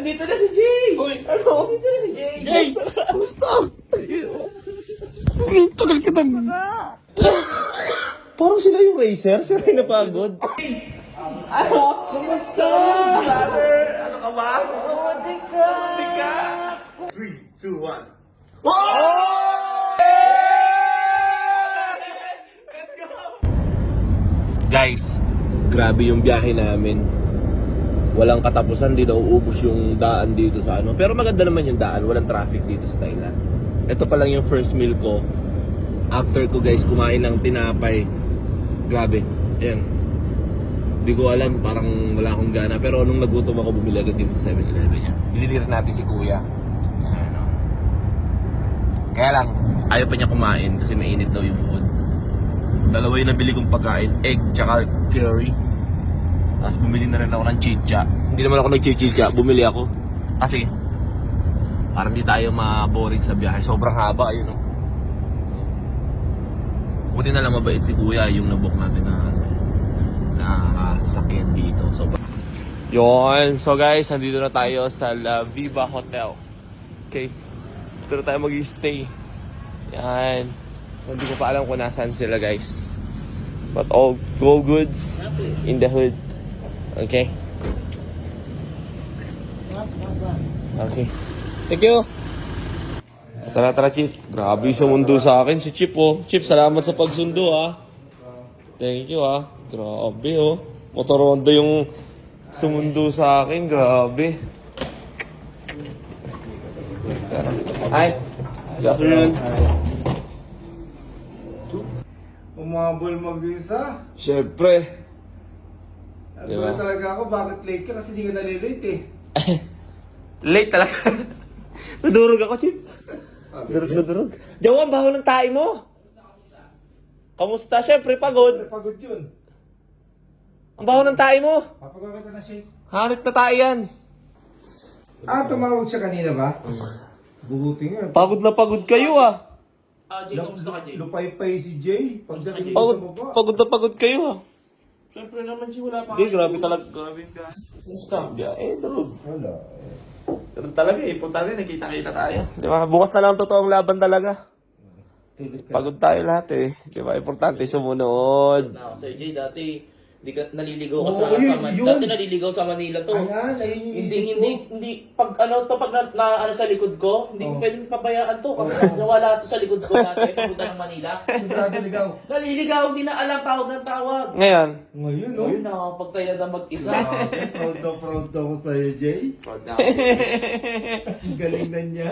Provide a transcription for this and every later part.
Andito na si Jay! Uy, ano? Andito na si Jay! Jay! Gusto! Tagal kita. Parang sila yung racer. Sila yung napagod. Ano? Kumusta? Brother! Ano ka ba? Di ka! Di ka! 3, 2, 1. Let's go! Guys, grabe yung biyahe namin. Walang katapusan, di na uubos yung daan dito sa ano. Pero maganda naman yung daan, walang traffic dito sa Thailand. Ito pa lang yung first meal ko. After ko guys, kumain ng tinapay. Grabe, ayan. Di ko alam, parang wala akong gana. Pero nung nagutom ako, bumili agad dito sa 7-Eleven niya. Ililir natin si Kuya. Ayan, o. Kaya lang, ayaw pa niya kumain kasi mainit daw yung food. Dalawa yung nabili kong pagkain, egg tsaka curry. Tapos bumili na rin ako ng chicha. Hindi naman ako nag-chicha, bumili ako. Kasi, parang di tayo maboring sa biyahe. Sobrang haba, ayun o. Buti na lang mabait si Kuya yung nabook natin na sasakyan dito. Yun. So guys, nandito na tayo sa La Viva Hotel. Okay. Dito na tayo mag-stay. Yan. Hindi ko pa alam kung nasaan sila guys. But all goods in the hood. Okay. Okay. Thank you. Tara, Chip. Grabe sumundo sa akin si Chip, oh. Chip, salamat sa pagsundo, ah. Thank you, ah. Grabe, oh. Motor Honda yung sumundo sa akin. Grabe. Hi. Good afternoon. Umabol mag-isa. Siyempre. Diba? Talaga ako, bakit late ka? Kasi di ka nalilate eh. Late talaga. Nadurog ako, Chip. Nadurog. Jawa, ang baho ng tae mo. Kamusta? Siyempre, pagod. Pagod yun. Ang baho ng tae mo. Papagawa ka na shake. Harit na tae yan. Tumawag siya kanina ba? Buhuti nga. Pagod na pagod kayo, ah. Jay, kamusta ka, Jay? Lupay-pay si Jay. Pagdating mo sa baba. Pagod na pagod kayo, ah. Siyempre naman, Jay, wala pa. Hindi, grabe talaga. Grabe yung biyahe. Kumusta? Durog. Wala. Ganun talaga eh. Punta rin, nakita-kita tayo. Di ba? Bukas na lang ang totoong laban talaga. Pagod tayo lahat eh. Di ba? Importante sumunod. Na, Sir Jay, dati di ka naliligaw ka Oo, sa yun, Manila. yun. Dati naliligaw sa Manila to. Ayan, ayun yung isip ko. Hindi pag ano sa likod ko, hindi ko pwedeng pabayaan to kasi nawala to sa likod ko dati papunta ng Manila. Sigurado ligaw. Naliligaw, hindi na alam tawag ng tawag. Ngayon, Ngayon, no? Ayun na, pag tayo na mag-isa. Proud ako sa'yo, Jay. Ang galing na niya.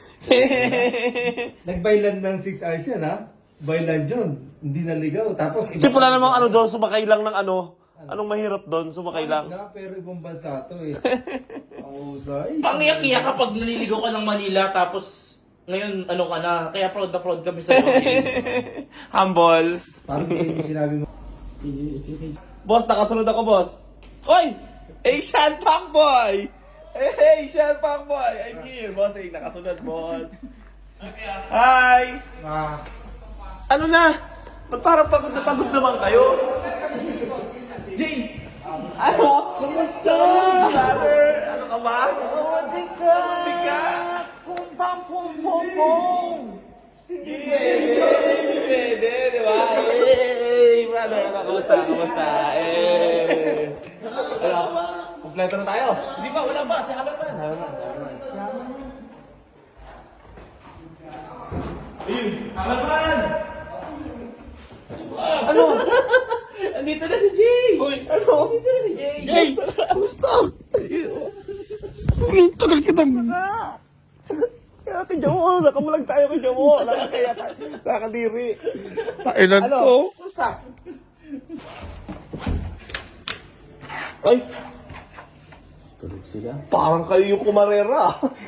Nagbailan ng 6 hours yan, ha? Bailan yun. Hindi naligaw. Tapos, kasi wala namang ano doon, sumakay lang ng ano. Anong mahirap doon, sumakay lang. Pero ibang bansa to eh. Ang usay. Pangiyak-iyak kapag naliligaw ka ng Manila tapos ngayon ano ka na, kaya proud na proud kami sa iyo. Humble. Parang yun yung sinabi mo. Boss, nakasunod ako, boss. Oy! Asian Fuckboy! Hey, Asian Fuckboy! I'm here, boss. Hey, nakasunod, boss. Hi! Ano na? Ba't parang pagod naman kayo? Jay! Ano? Kumusta? Brother! Ano ka ba? Di ka! Di ka! Pum pam pum pum pum! Hindi pwede, di ba? Hey, brother! Ano, kumusta? Kumusta? Hey! Ano? Kompleto na tayo. Di ba? Wala ba? Sa habang pa. Ayun! Aman! Ano? Andito na si Jay! Uy, ano? Andito na si Jay! Jay! Gusto! Tagal kita. Kaya kay Jamo, nakamulag tayo kay Jamo. Nakakadiri. Kailan Ano? ko? Gusto! Ay, Tulog sila. parang kayo yung kumarera.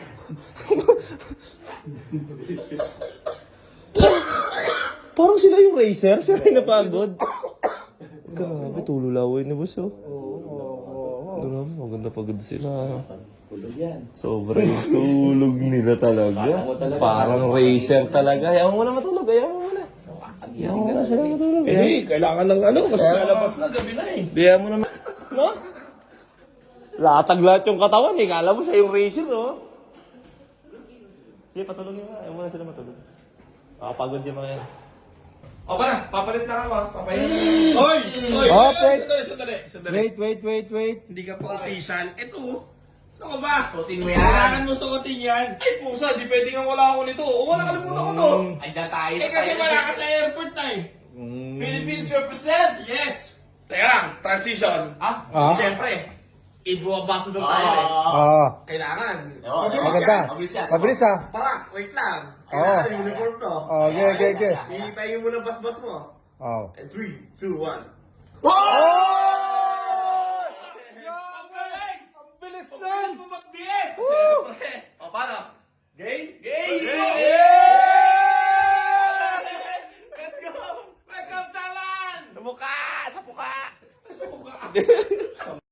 Parang sila yung racer. Sila yung napagod. Grabe, tululaway na boss, oh. Grabe, maganda pagod sila. Tulog yan. Sobrang tulog nila talaga. Parang racer talaga. Ayaw mo na matulog, ayaw mo na. Ayaw mo na sila matulog. Eh, kailangan ng ano, kasi lalabas na, gabi na eh. Ayaw mo na. No? Latag lahat yung katawan eh. Kala mo siya yung racer, no? Sige, patulogin mo. Ayaw muna sila matulog. Pagod yung mga yan. O ba na, papalit na ako. Papalit. Hoy! Hoy! Oh, wait. Sandali. Wait. Hindi ka pa official. Ito. Ano ka ba? Suotin mo yan. Kailangan mo suotin yan. Ay, pusa. Di pwede nga wala ako nito. O, wala kalimutan ko to. Andiyan tayo Eh, kasi wala ka sa airport na eh. Philippines represent! Yes! Teka lang, transition. Ah? Siyempre, i-ambassador tayo eh. Kailangan. Maganda. Mabilis ah. Parak, wait lang. Oo. Kailangan yung uniform to. Okay. Iitayin mo ng basbas mo. Oh. And 3, 2, 1. Oh!